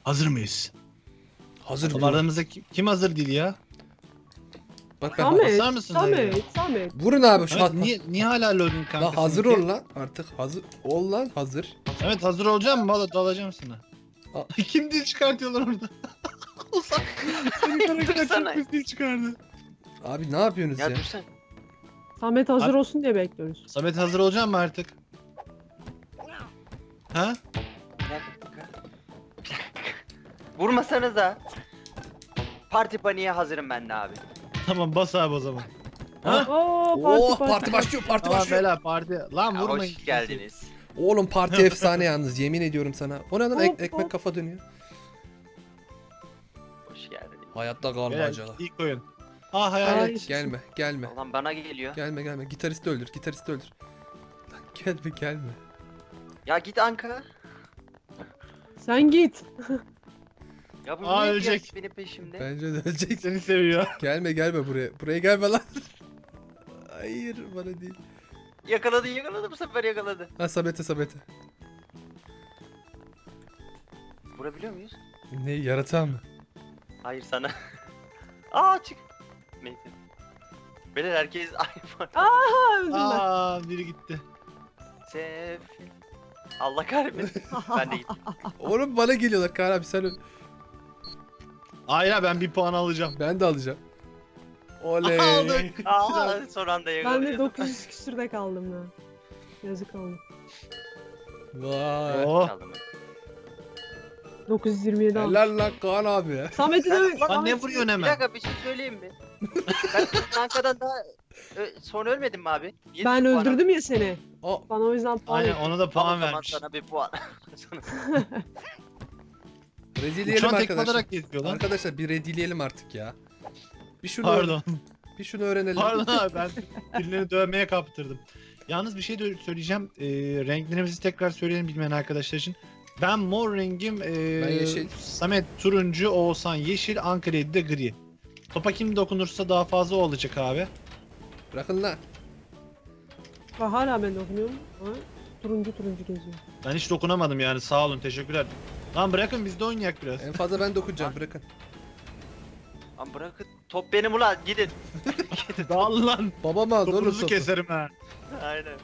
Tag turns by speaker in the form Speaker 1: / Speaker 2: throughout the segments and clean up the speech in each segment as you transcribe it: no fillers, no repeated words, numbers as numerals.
Speaker 1: Hazır mıyız?
Speaker 2: Hazır mı?
Speaker 1: Aramızda kim hazır değil ya?
Speaker 2: Bak ben
Speaker 3: Samet,
Speaker 1: basar mısın dayı?
Speaker 3: Samet.
Speaker 2: Vurun abi şu
Speaker 1: Evet,
Speaker 2: hat.
Speaker 1: niye hala loading kanka?
Speaker 2: Lan hazır
Speaker 1: seninki?
Speaker 2: ol lan artık hazır ol lan hazır.
Speaker 1: Evet hazır olacağım mı? Valla dalacağım sana.
Speaker 2: Aa.
Speaker 1: Kim dil çıkartıyorlar orada? Ozan. Senin karakter
Speaker 4: Dursana.
Speaker 1: çok pis dil çıkardı.
Speaker 2: Abi ne yapıyorsunuz ya?
Speaker 4: Ya dursan.
Speaker 3: Samet hazır
Speaker 1: Abi-
Speaker 3: olsun diye bekliyoruz.
Speaker 1: Samet hazır olacağım mı artık? Ha?
Speaker 4: Bir dakika. Vurmasanıza. Parti paniğe hazırım ben de abi.
Speaker 1: Tamam bas abi o zaman. Ha?
Speaker 3: Oo
Speaker 2: Oh parti başlıyor parti
Speaker 1: Tamam
Speaker 2: başlıyor.
Speaker 1: bela parti. Lan
Speaker 4: Ya,
Speaker 1: vurmayın.
Speaker 4: hoş geldiniz.
Speaker 2: Oğlum parti efsane yalnız yemin ediyorum sana. O ne lan
Speaker 3: Hop,
Speaker 2: ekmek
Speaker 3: hop.
Speaker 2: kafa dönüyor.
Speaker 4: Hoş geldiniz.
Speaker 2: Hayatta
Speaker 1: Bela,
Speaker 2: kalmacalar.
Speaker 1: ilk oyun. Ah hayalet.
Speaker 3: Ay.
Speaker 2: Gelme gelme.
Speaker 4: Ulan bana geliyor.
Speaker 2: Gelme gitaristi öldür gitaristi öldür. Lan gelme.
Speaker 4: Ya git Anka.
Speaker 3: Sen git.
Speaker 4: Ya bu
Speaker 1: Aa,
Speaker 4: niye
Speaker 1: ölecek.
Speaker 4: ölecek. Benim peşimde?
Speaker 2: Bence de ölecek.
Speaker 1: Seni seviyor.
Speaker 2: Gelme buraya. Buraya gelme lan. Hayır bana değil.
Speaker 4: Yakaladı bu sefer yakaladı.
Speaker 2: Ha Samet'e.
Speaker 4: Vurabiliyor muyuz?
Speaker 2: Ne yaratan mı?
Speaker 4: Hayır sana. Aa çık. Neyse. Beyler herkes iPhone.
Speaker 3: Aa öldüm ben.
Speaker 1: Aa biri gitti.
Speaker 4: Sefil. Allah kahretmesin. Ben de gittim.
Speaker 2: Oğlum bana geliyorlar Kaan abi sen öl.
Speaker 1: Hayır ha, ben bir puan alacağım.
Speaker 2: Ben de alacağım. Oley.
Speaker 1: Aldık.
Speaker 4: Aa son anda
Speaker 3: Ben de
Speaker 4: yakaladım.
Speaker 3: 900 küsürde kaldım ya. Yazık oldu.
Speaker 2: Vay.
Speaker 1: Oh.
Speaker 4: Çaldım ben.
Speaker 3: 927 aldım.
Speaker 2: Helal lan Kaan abi ya.
Speaker 3: Samet'i de
Speaker 1: Lan ne vuruyorsun
Speaker 4: Bir
Speaker 1: hemen?
Speaker 4: dakika bir şey söyleyeyim mi? Ben Anka'dan daha sonra ölmedim mi abi? Yedi
Speaker 3: ben
Speaker 4: puan
Speaker 3: öldürdüm ya seni.
Speaker 2: O
Speaker 3: Bana o yüzden puan
Speaker 1: Aynen
Speaker 3: ekledim.
Speaker 1: ona da
Speaker 4: aldım.
Speaker 1: puan
Speaker 4: Tamam,
Speaker 1: vermiş.
Speaker 4: sana bir puan.
Speaker 2: rezilleyelim
Speaker 1: Uçan tekme
Speaker 2: arkadaşlar.
Speaker 1: alarak geziyor lan.
Speaker 2: Arkadaşlar bir redileyelim artık ya. Bir şunu
Speaker 1: Pardon.
Speaker 2: bir şunu öğrenelim.
Speaker 1: Pardon abi ben birilerini dövmeye kaptırdım. Yalnız bir şey de söyleyeceğim. Renklerimizi tekrar söyleyelim bilmeyen arkadaşlar için. Ben mor rengim,
Speaker 2: Ben yeşil.
Speaker 1: Samet turuncu, Oğuzhan yeşil, Ankara de gri. Topa kim dokunursa daha fazla o olacak abi.
Speaker 2: Bırakın lan.
Speaker 3: Bak hala ben dokunuyorum. Ama turuncu geziyor.
Speaker 1: Ben hiç dokunamadım yani sağ olun teşekkürler. Lan bırakın biz de oynayak biraz.
Speaker 2: En fazla ben dokunacağım bırakın.
Speaker 4: Lan bırakın. Top benim ulan gidin.
Speaker 1: Dağıl lan.
Speaker 2: Babam aldı oğlum
Speaker 1: Topunuzu
Speaker 2: topu.
Speaker 1: keserim ha.
Speaker 4: Aynen.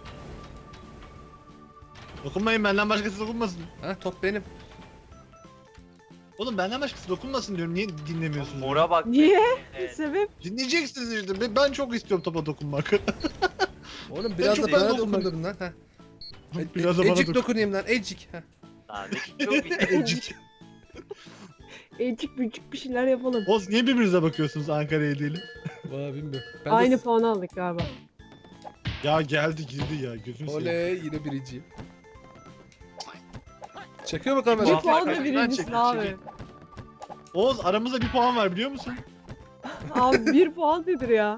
Speaker 1: Dokunmayın benden başkası dokunmasın.
Speaker 2: Ha top benim.
Speaker 1: Oğlum benden başkası dokunmasın diyorum. Niye dinlemiyorsunuz?
Speaker 4: Mora bak.
Speaker 3: Niye?
Speaker 4: Evet.
Speaker 3: Sebep?
Speaker 1: Dinleyeceksiniz işte. Ben çok istiyorum topa dokunmak.
Speaker 2: Oğlum biraz
Speaker 1: çok
Speaker 2: da
Speaker 1: ben
Speaker 2: bana
Speaker 1: dokundum.
Speaker 2: dokundurun lan. Ha.
Speaker 1: Biraz da bana
Speaker 2: Ecik
Speaker 1: dokun.
Speaker 2: dokunayım lan ecik. Ha.
Speaker 4: Abi çok iyi.
Speaker 1: Ecik.
Speaker 3: Elçik büyük bir şeyler yapalım.
Speaker 1: Oz niye birbirinize bakıyorsunuz Ankara'ya değil?
Speaker 2: Valla bilmiyorum. Ben
Speaker 3: Aynı
Speaker 2: de...
Speaker 3: puan aldık galiba.
Speaker 1: Ya geldi girdi ya gözünü seveyim.
Speaker 2: Oley yine birinciyim. Çekiyor mu
Speaker 3: Bir
Speaker 2: kamera?
Speaker 1: Vay.
Speaker 3: puan da
Speaker 1: kaçtan
Speaker 3: birincisin
Speaker 1: çekti,
Speaker 3: abi.
Speaker 1: çekil. Oğuz aramızda bir puan var biliyor musun?
Speaker 3: Abi 1 puan nedir ya?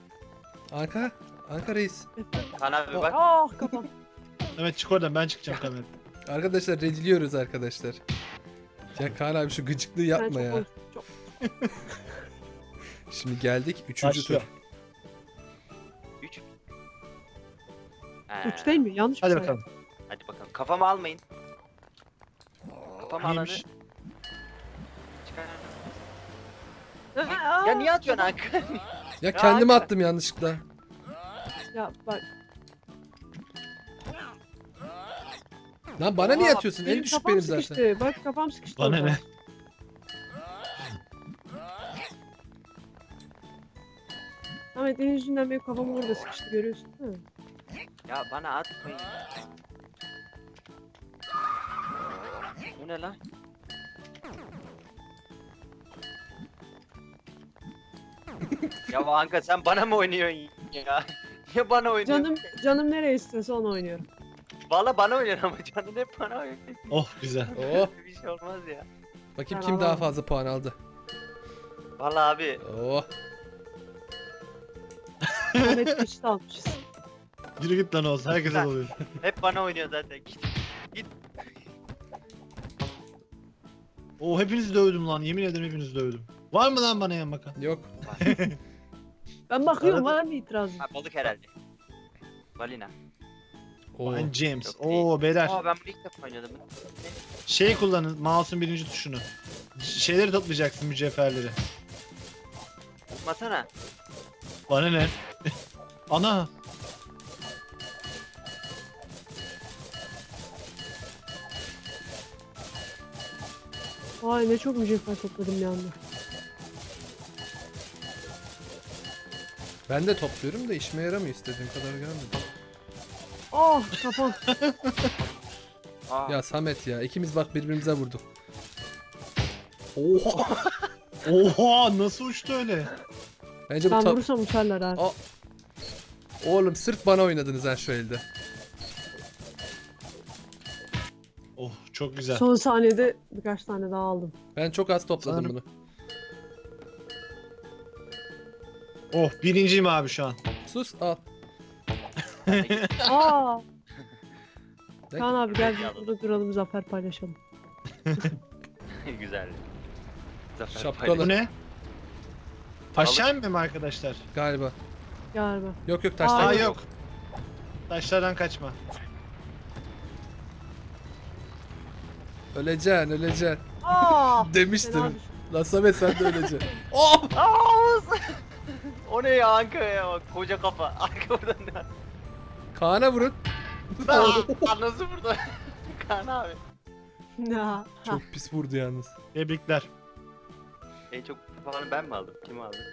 Speaker 2: Anka reis.
Speaker 4: Kaan abi bak.
Speaker 3: Ah kafam.
Speaker 1: Evet çık oradan ben çıkacağım kamera.
Speaker 2: Arkadaşlar rediliyoruz arkadaşlar. Ya Kaan abi şu gıcıklığı
Speaker 3: Sen
Speaker 2: yapma
Speaker 3: çok
Speaker 2: ya.
Speaker 3: konuştun, çok.
Speaker 2: Şimdi geldik 3. tur.
Speaker 1: Başlıyor.
Speaker 4: 3.
Speaker 3: 3 değil mi? Yanlış mı
Speaker 1: Hadi
Speaker 3: saydım?
Speaker 1: bakalım.
Speaker 4: Hadi bakalım. Kafamı almayın. Kafamı alanı.
Speaker 1: Neymiş?
Speaker 4: Çıkar.
Speaker 3: Aa,
Speaker 4: Ya niye atıyorsun Anka?
Speaker 2: Ya kendime
Speaker 4: Anka.
Speaker 2: attım yanlışlıkla.
Speaker 3: Ya bak.
Speaker 2: Lan bana niye
Speaker 4: Oha,
Speaker 2: atıyorsun? En
Speaker 3: Benim
Speaker 2: düşük
Speaker 3: kafam
Speaker 2: benim zaten.
Speaker 3: sıkıştı. Bak kafam sıkıştı.
Speaker 1: Bana
Speaker 3: orada.
Speaker 1: ne?
Speaker 3: Ahmet senin yüzünden benim kafam orada sıkıştı görüyorsun değil mi?
Speaker 4: Ya bana atmayın. Bu ne lan? Ya Anka sen bana mı oynuyorsun ya? Niye bana oynuyorsun?
Speaker 3: Canım nereye istiyorsa onu oynuyorum.
Speaker 4: Valla bana oynuyorsun ama canın hep bana oynuyor.
Speaker 1: Oh güzel.
Speaker 2: Oh.
Speaker 4: Bir şey olmaz ya.
Speaker 2: Bakayım
Speaker 3: Ben
Speaker 2: kim daha
Speaker 3: alamam.
Speaker 2: fazla puan aldı.
Speaker 4: Valla abi.
Speaker 2: Oh.
Speaker 3: Ahmet eşit almışız.
Speaker 1: Yürü git lan Oğuz herkese oluyor.
Speaker 4: Hep bana oynuyor zaten. Git.
Speaker 1: Oo hepinizi dövdüm lan yemin ederim hepinizi dövdüm. Var mı lan bana yan bakan?
Speaker 2: Yok.
Speaker 3: Ben bakıyorum
Speaker 1: Arada-
Speaker 3: var mı itirazın?
Speaker 4: Ha, balık herhalde. Balina.
Speaker 2: Oo.
Speaker 1: Ben James.
Speaker 4: Yok değil.
Speaker 1: Oo beyler.
Speaker 4: Aa ben bunu ilk defa oynadım. Ne?
Speaker 1: Şey kullanın, mouse'un birinci tuşunu. Şeyleri toplayacaksın, mücevherleri.
Speaker 4: Tutmasana.
Speaker 1: Bana ne? Ana.
Speaker 3: Vay ne çok mücevher topladım bir anda.
Speaker 2: Ben de topluyorum da işime yaramıyor, istediğim kadar gelmedi.
Speaker 3: Ah kafam.
Speaker 4: Aa.
Speaker 2: Ya Samet ya, ikimiz bak birbirimize vurduk. Oha!
Speaker 1: Oha, nasıl uçtu öyle?
Speaker 2: Bence bu
Speaker 3: Ben
Speaker 2: top...
Speaker 3: vurursam uçarlar abi.
Speaker 2: Aa. Oğlum sırf bana oynadınız ha şu elde.
Speaker 1: Oh, çok güzel.
Speaker 3: Son saniyede birkaç tane daha aldım.
Speaker 2: Ben çok az topladım
Speaker 1: Sanırım-
Speaker 2: bunu.
Speaker 1: Oh, birinciyim abi şu an.
Speaker 2: Sus al.
Speaker 3: Aa.
Speaker 2: Ne?
Speaker 3: Kaan abi gel
Speaker 4: Peki,
Speaker 3: biz burada duralım zafer paylaşalım.
Speaker 4: Güzel. Zafer
Speaker 2: Şapkalı.
Speaker 1: Bu ne? Aşağı inmem arkadaşlar.
Speaker 2: Galiba.
Speaker 3: Galiba.
Speaker 2: Yok yok
Speaker 3: Aa,
Speaker 2: taşlar.
Speaker 1: Aa
Speaker 3: yok.
Speaker 1: yok. Taşlardan kaçma.
Speaker 2: Öleceksin öleceksin.
Speaker 3: Aa. Fena
Speaker 2: Demiştim.
Speaker 3: düştüm.
Speaker 2: Lan Samet sen de öleceksin. Oh!
Speaker 4: Aa! O ne ya Anka ya? Bak, koca kafa. Arka buradan ne?
Speaker 2: Kaan'a vurun.
Speaker 4: Aa, nasıl burada? Kaan abi.
Speaker 3: Ya.
Speaker 2: Çok pis vurdu yalnız.
Speaker 1: Tebrikler.
Speaker 4: En çok puanı ben mi aldım? Kim aldı?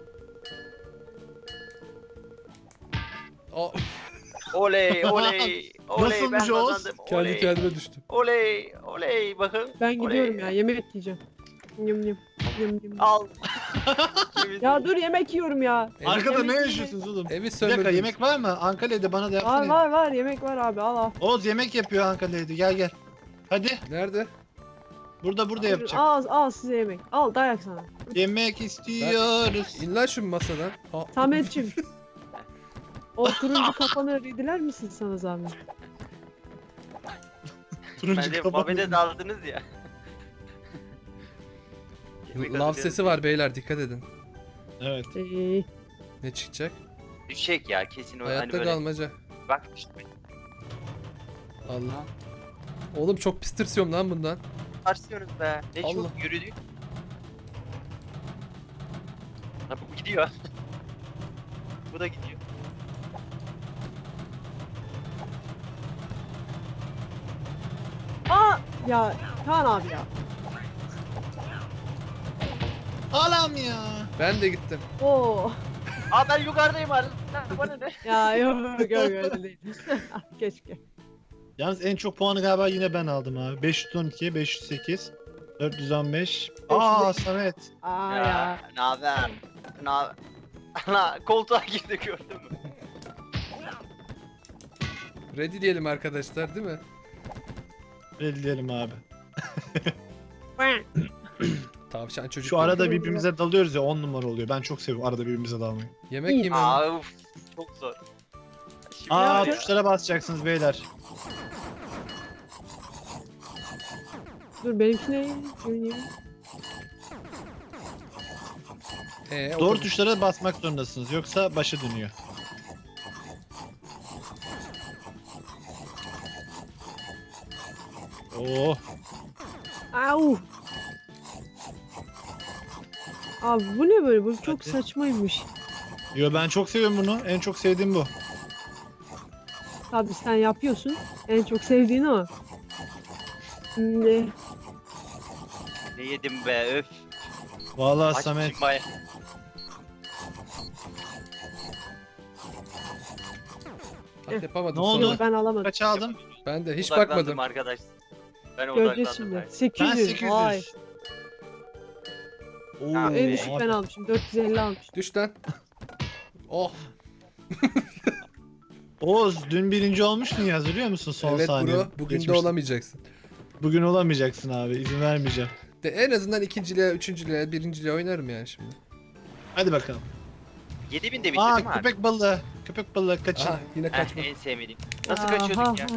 Speaker 2: Aa,
Speaker 4: Oley oley. Oley ben
Speaker 1: Nasılmış Oğuz?
Speaker 4: kazandım.
Speaker 2: kendi
Speaker 4: Oley.
Speaker 2: kendime düştüm.
Speaker 4: Oley oley bakın.
Speaker 3: Ben
Speaker 4: Oley.
Speaker 3: gidiyorum ya yemek yiyeceğim. Yum yum. Yum yum.
Speaker 4: Al.
Speaker 3: Ya dur yemek yiyorum ya.
Speaker 1: Arkada
Speaker 3: yemek
Speaker 1: ne
Speaker 3: yemek.
Speaker 1: yaşıyorsunuz oğlum?
Speaker 2: Evi
Speaker 1: Bir dakika,
Speaker 2: sömürdünüz.
Speaker 1: yemek var mı? Ankara'da bana da
Speaker 3: Var
Speaker 1: yapsana.
Speaker 3: var var yemek var abi al al.
Speaker 1: Oğuz yemek yapıyor Ankara'da. Gel gel. Hadi.
Speaker 2: Nerede?
Speaker 1: Burada yapacak.
Speaker 3: Al al size yemek. Al dayak sana.
Speaker 1: Yemek istiyoruz.
Speaker 2: İn lan şu masadan. Aa,
Speaker 3: Sametçim. O turuncu kafanı ridiler misin sana zahmet?
Speaker 1: Turuncu
Speaker 4: Bence
Speaker 1: kapalı.
Speaker 4: Mabed'e daldınız ya. Yemek
Speaker 2: Lav
Speaker 4: hazırlayalım.
Speaker 2: sesi var beyler, dikkat edin.
Speaker 1: Evet.
Speaker 2: Ne çıkacak?
Speaker 4: Düşecek ya kesin o hani
Speaker 2: Hayatta
Speaker 4: böyle.
Speaker 2: kalmaca.
Speaker 4: Bak işte.
Speaker 2: Allah. Oğlum çok pis tırsıyorum lan bundan.
Speaker 4: Tarsıyoruz be. Ne
Speaker 2: Allah.
Speaker 4: çok yürüdük. Ha bu gidiyor. Bu da gidiyor.
Speaker 3: Aa ya Kaan abi ya.
Speaker 1: Alam ya.
Speaker 2: Ben de gittim.
Speaker 3: Oo.
Speaker 4: Aa ben yukarıdayım artık. Bana ne?
Speaker 3: Ya yok öyle değil. Keşke.
Speaker 1: Yalnız en çok puanı galiba yine ben aldım abi. 512, 508, 415. Aa Samet.
Speaker 3: Aa
Speaker 4: Ya
Speaker 3: ya.
Speaker 4: naber? Naber? Ana koltuğa girdi gördün mü?
Speaker 2: Ready diyelim arkadaşlar, değil mi?
Speaker 1: Belirleyelim abi.
Speaker 2: Tavşan çocuk.
Speaker 1: Şu arada birbirimize dalıyoruz ya, 10 numara oluyor. Ben çok seviyorum arada birbirimize dalmayı.
Speaker 2: Yemek
Speaker 3: İyi.
Speaker 2: yiyeyim ben.
Speaker 4: Aa uf, çok zor. Şimdi
Speaker 1: Aa
Speaker 3: Ya-
Speaker 1: tuşlara basacaksınız beyler.
Speaker 3: Dur benimki ne? Oynayayım.
Speaker 1: Doğru tuşlara basmak zorundasınız yoksa başı dönüyor. Oo.
Speaker 3: Au. Abi bu ne böyle? Bu çok
Speaker 1: Hadi.
Speaker 3: saçmaymış.
Speaker 1: Yo ben çok seviyorum bunu. En çok sevdiğim bu.
Speaker 3: Tabii sen yapıyorsun. En çok sevdiğin o. Ne?
Speaker 4: ne yedim be öf.
Speaker 1: Vallahi
Speaker 4: Aç
Speaker 1: Samet.
Speaker 4: çıkmaya.
Speaker 2: Ah, yapamadım.
Speaker 1: Ne oldu?
Speaker 2: sonra.
Speaker 3: Ben alamadım.
Speaker 1: Kaç aldım?
Speaker 2: Ben de hiç
Speaker 4: Odaklandım
Speaker 2: bakmadım.
Speaker 4: arkadaş. Ben
Speaker 3: Göreceğiz
Speaker 4: odaklandım.
Speaker 3: şimdi.
Speaker 4: Ben.
Speaker 3: 800.
Speaker 1: Ben 800.
Speaker 3: Vay.
Speaker 1: Oo,
Speaker 4: Ha,
Speaker 3: En düşük
Speaker 1: abi.
Speaker 3: ben almışım. 450 almışım.
Speaker 2: Düş lan. Oh.
Speaker 1: Oğuz dün birinci olmuştun ya, hatırlıyor musun son
Speaker 2: Evet
Speaker 1: saniye?
Speaker 2: bro, bugün de
Speaker 1: Geçmişte.
Speaker 2: olamayacaksın.
Speaker 1: Bugün olamayacaksın abi, izin vermeyeceğim.
Speaker 2: De en azından ikinciliğe, üçüncülüğe, birinciliğe oynarım yani şimdi.
Speaker 1: Hadi bakalım.
Speaker 4: 7000 de bitti
Speaker 1: Aa
Speaker 4: değil mi abi?
Speaker 1: köpek balığı. Köpek balığı kaçın.
Speaker 2: Aha yine kaçma.
Speaker 4: En sevmediğim. Nasıl
Speaker 3: Aha,
Speaker 4: kaçıyorduk ya?
Speaker 3: ha.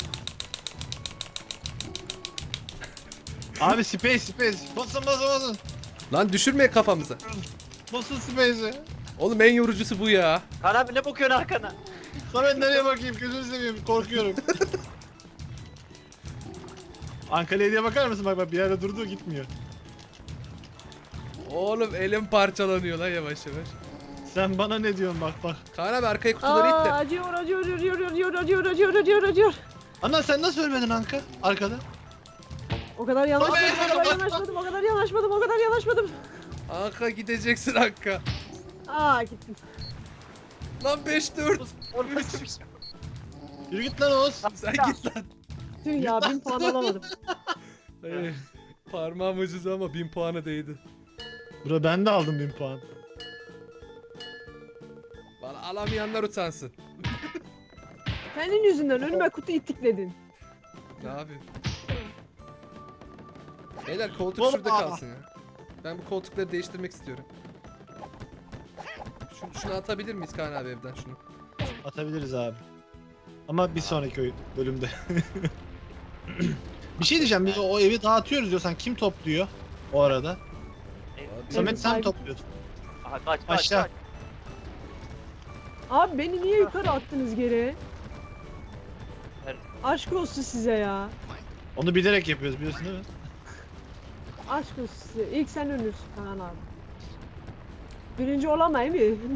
Speaker 1: Abi space. Basın.
Speaker 2: Lan düşürme kafamıza.
Speaker 1: Basın space'i.
Speaker 2: Oğlum en yorucusu bu ya.
Speaker 4: Kaan abi ne bakıyorsun arkana?
Speaker 1: Samet nereye bakayım, gözünü seveyim, korkuyorum. Ankara'ya diye bakar mısın? Bak bak bir yerde durdu gitmiyor.
Speaker 2: Oğlum elim parçalanıyor lan yavaş yavaş.
Speaker 1: Sen bana ne diyorsun bak bak.
Speaker 2: Kaan abi arkaya kutuları it de.
Speaker 3: Acıyor, acıyor.
Speaker 1: Ana sen nasıl ölmedin Anka? Arkada.
Speaker 3: O kadar yanaşmadım.
Speaker 2: Anka gideceksin Anka.
Speaker 3: Aa gittim.
Speaker 2: Lan 5-4.
Speaker 1: Yürü git lan Oğuz.
Speaker 2: Sen git lan.
Speaker 3: Tüh ya 1000 puan alamadım.
Speaker 2: Parmağım ucuz ama 1000 puanı değdi.
Speaker 1: Bro ben de aldım 1000 puan.
Speaker 2: Bana alamayanlar utansın.
Speaker 3: Senin yüzünden önüme kutu itikledin.
Speaker 2: Ne yapayım? Beyler koltuk
Speaker 1: Oğlum,
Speaker 2: şurada
Speaker 1: aa.
Speaker 2: kalsın ya. Ben bu koltukları değiştirmek istiyorum. Şunu atabilir miyiz Kaan abi evden şunu?
Speaker 1: Atabiliriz abi. Ama bir sonraki bölümde. Bir şey diyeceğim biz o evi dağıtıyoruz diyorsan kim topluyor o arada?
Speaker 2: Abi,
Speaker 1: Samet sen
Speaker 3: sahibi-
Speaker 1: topluyorsun.
Speaker 4: Aha kaç
Speaker 1: Aşağı.
Speaker 4: kaç.
Speaker 3: Abi beni niye yukarı attınız geri? Aşk olsun size ya.
Speaker 1: Onu bilerek yapıyoruz biliyorsun değil mi?
Speaker 3: Aşk olsun size. İlk sen ölürsün Kaan abi. Birinci olamayayım mı?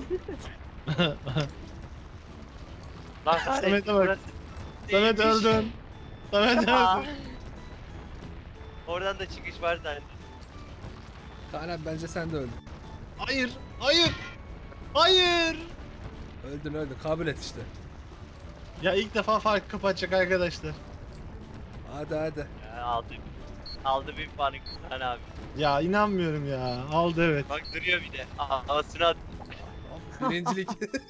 Speaker 4: Lan
Speaker 1: Samet'e bak. Samet
Speaker 4: değilmiş.
Speaker 1: öldün. Samet
Speaker 4: Aa.
Speaker 1: öldün.
Speaker 4: Oradan da çıkış var zaten.
Speaker 2: Kaan abi bence sen de öldün.
Speaker 1: Hayır. Hayır. Hayır.
Speaker 2: Öldün kabul et işte.
Speaker 1: Ya ilk defa fark kapatacak arkadaşlar.
Speaker 2: Hadi.
Speaker 4: Ya, aldı bir puanı Kaan abi.
Speaker 1: Ya inanmıyorum ya. Aldı evet.
Speaker 4: Bak duruyor bir de. Aha havasını at.
Speaker 2: Birincilik.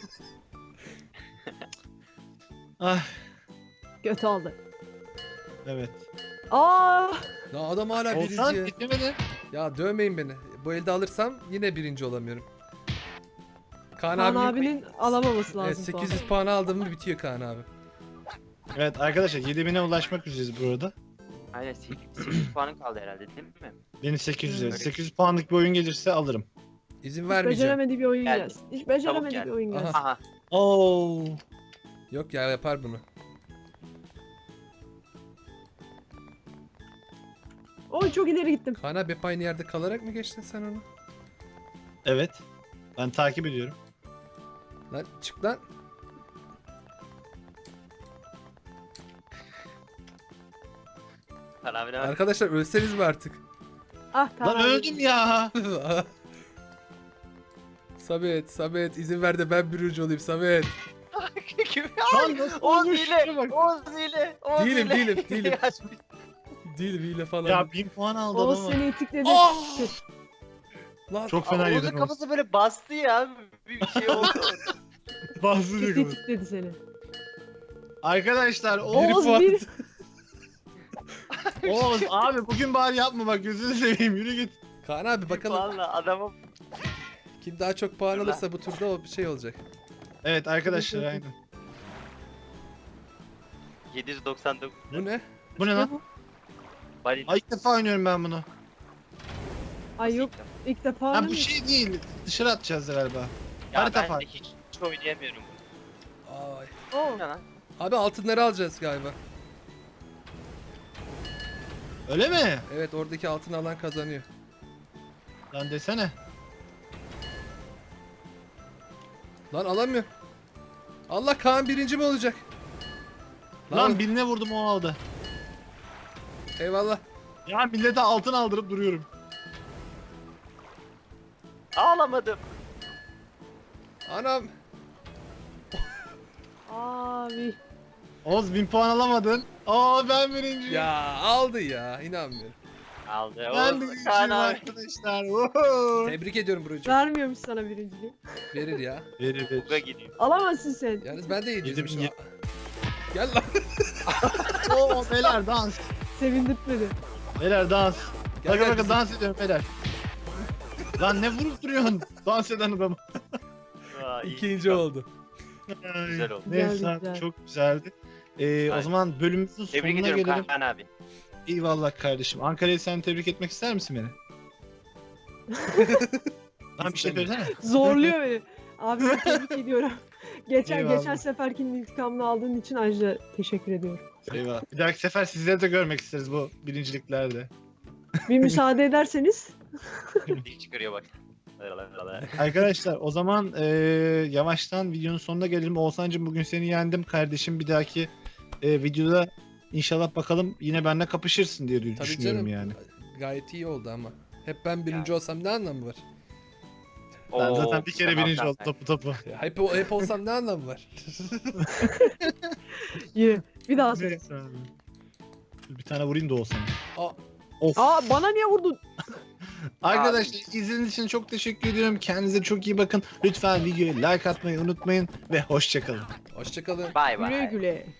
Speaker 1: Ah
Speaker 3: Kötü oldu.
Speaker 1: evet.
Speaker 3: Aa,
Speaker 2: Ya adam hala
Speaker 1: Olsan
Speaker 2: birinci.
Speaker 1: bitirmedi.
Speaker 2: Ya dövmeyin beni. Bu elde alırsam yine birinci olamıyorum. Kaan,
Speaker 3: Kaan
Speaker 2: abinin-
Speaker 3: abinin alamaması lazım.
Speaker 2: Evet, 800 puan aldım mı bitiyor Kaan abi.
Speaker 1: Evet arkadaşlar 7000'e ulaşmak üzereyiz burada.
Speaker 4: Aynen 8 puanın kaldı herhalde değil mi?
Speaker 1: Benim 800
Speaker 3: Hmm.
Speaker 1: 800 puanlık bir oyun gelirse alırım.
Speaker 2: İzin
Speaker 3: Hiç
Speaker 2: vermeyeceğim.
Speaker 3: beceremediği bir oyun
Speaker 4: Geldi.
Speaker 3: gelsin. Hiç beceremediği
Speaker 4: geldi.
Speaker 3: bir oyun
Speaker 2: Aha.
Speaker 3: gelsin.
Speaker 4: Aha.
Speaker 1: Oo.
Speaker 2: Yok ya yapar bunu.
Speaker 3: Oy çok ileri gittim.
Speaker 2: Kaan abi hep aynı yerde kalarak mı geçtin sen onu?
Speaker 1: Evet. Ben takip ediyorum.
Speaker 2: Lan çık lan.
Speaker 4: Kaan abi ne var?
Speaker 2: Arkadaşlar ölseniz mi artık?
Speaker 3: Ah Kaan
Speaker 1: Lan
Speaker 3: abi.
Speaker 1: öldüm ya.
Speaker 2: Samet izin ver de ben birinci olayım Samet.
Speaker 1: Lan nasıl
Speaker 4: Oğuz
Speaker 1: olmuş?
Speaker 4: hile.
Speaker 1: Şuna bak.
Speaker 4: Oğuz hile. Oğuz
Speaker 2: Değilim,
Speaker 4: hile.
Speaker 2: değilim.
Speaker 4: Açmış.
Speaker 2: Değil hile falan.
Speaker 1: Ya 1000 puan aldı
Speaker 3: Oğuz
Speaker 1: adam.
Speaker 3: seni itikledi.
Speaker 2: Ah! Lan
Speaker 1: Çok fena
Speaker 4: Oğuz'un
Speaker 1: yedin Oğuz.
Speaker 4: kafası böyle bastı ya. Bir şey oldu.
Speaker 1: Bazı
Speaker 3: Kötü
Speaker 1: diyor.
Speaker 3: itikledi seni.
Speaker 1: Arkadaşlar
Speaker 2: biri
Speaker 3: Oğuz
Speaker 2: puan.
Speaker 3: bir.
Speaker 1: Oğuz abi bugün bari yapma bak gözünü seveyim yürü git.
Speaker 2: Kaan abi bakalım
Speaker 4: Valla adamım.
Speaker 2: kim daha çok puan
Speaker 4: Dur lan.
Speaker 2: alırsa bu turda o bir şey olacak.
Speaker 1: Evet arkadaşlar aynen.
Speaker 4: 799.
Speaker 2: Bu ne?
Speaker 1: Bu ne lan?
Speaker 4: Balina.
Speaker 1: Ay ilk defa oynuyorum ben bunu.
Speaker 3: Ay yok ilk defa
Speaker 1: Ha bu
Speaker 3: oynamış.
Speaker 1: şey değil. Dışarı atacağız galiba.
Speaker 4: Ya
Speaker 1: harita
Speaker 4: ben
Speaker 1: farkı.
Speaker 4: de hiç oynayamıyorum.
Speaker 2: Ay.
Speaker 3: Oo.
Speaker 4: Bu ne lan?
Speaker 2: Abi altınları alacağız galiba.
Speaker 1: Öyle mi?
Speaker 2: Evet oradaki altın alan kazanıyor.
Speaker 1: Lan desene.
Speaker 2: Lan alamıyor. Allah Kaan birinci mi olacak?
Speaker 1: Lan birine vurdum o aldı.
Speaker 2: Eyvallah.
Speaker 1: Ya millete altın aldırıp duruyorum.
Speaker 4: Ağlamadım.
Speaker 2: Anam.
Speaker 3: Abi.
Speaker 1: Oğuz 1000 puan alamadın. Aa ben birinciyim.
Speaker 2: Ya aldı ya inanmıyorum.
Speaker 4: Aldı.
Speaker 1: Ben
Speaker 4: Oğuz,
Speaker 1: birinciyim
Speaker 4: Kaan abi.
Speaker 1: arkadaşlar. Woohoo.
Speaker 2: Tebrik ediyorum Burcu.
Speaker 3: Vermiyormuş sana birinciliği.
Speaker 2: Verir ya.
Speaker 1: Verir
Speaker 4: Buga gidiyor.
Speaker 3: Alamazsın sen.
Speaker 2: Yalnız ben de yediğim
Speaker 1: Yedim,
Speaker 2: Gel lan.
Speaker 1: Oo beyler dans.
Speaker 3: Sevindirtmedi.
Speaker 1: Beyler dans.
Speaker 2: Gel,
Speaker 1: Bakın
Speaker 2: gel
Speaker 1: bakın
Speaker 2: kızım.
Speaker 1: dans ediyorum beyler. Lan ne vurup duruyorsun? Dans eden adamı.
Speaker 4: Aa, iyi.
Speaker 2: İkinci oldu.
Speaker 4: Güzel oldu.
Speaker 1: Neyse
Speaker 3: Güzeldi,
Speaker 1: abi,
Speaker 3: güzel.
Speaker 1: çok güzeldi. O
Speaker 4: Aynen.
Speaker 1: zaman bölümümüzün
Speaker 4: Tebrik
Speaker 1: sonuna
Speaker 4: ediyorum
Speaker 1: gelelim.
Speaker 4: Kaan abi.
Speaker 1: Eyvallah kardeşim. Ankara'yı sen tebrik etmek ister misin beni? Lan bir şey söylesene.
Speaker 3: Zorluyor beni. Abi tebrik ediyorum. Geçen
Speaker 1: Eyvallah.
Speaker 3: seferkinin intikamını aldığın için ayrıca teşekkür ediyorum.
Speaker 1: Eyvah. Bir dahaki sefer sizleri de görmek isteriz bu birinciliklerde.
Speaker 3: Bir müsaade ederseniz.
Speaker 4: İyi çıkarıyor bak.
Speaker 1: Arkadaşlar o zaman yavaştan videonun sonuna gelelim. Oğuzhan'cığım bugün seni yendim kardeşim. Bir dahaki videoda inşallah bakalım yine benimle kapışırsın diye
Speaker 2: Tabii
Speaker 1: düşünüyorum
Speaker 2: canım.
Speaker 1: yani.
Speaker 2: Gayet iyi oldu ama. Hep ben birinci olsam ne anlamı var?
Speaker 1: Ben zaten bir kere birinci oldum topu.
Speaker 2: Ya hep olsam ne anlamı var?
Speaker 3: Yine. Bir daha söyle.
Speaker 1: Neyse abi. Bir tane vurayım da Oğuzhan'a.
Speaker 2: Aa,
Speaker 1: Of.
Speaker 3: Aa bana niye vurdun?
Speaker 1: Arkadaşlar izlediğiniz için çok teşekkür ediyorum. Kendinize çok iyi bakın. Lütfen videoya like atmayı unutmayın ve hoşçakalın.
Speaker 2: hoşçakalın.
Speaker 4: Bay
Speaker 3: Güle
Speaker 4: bay.
Speaker 3: güle.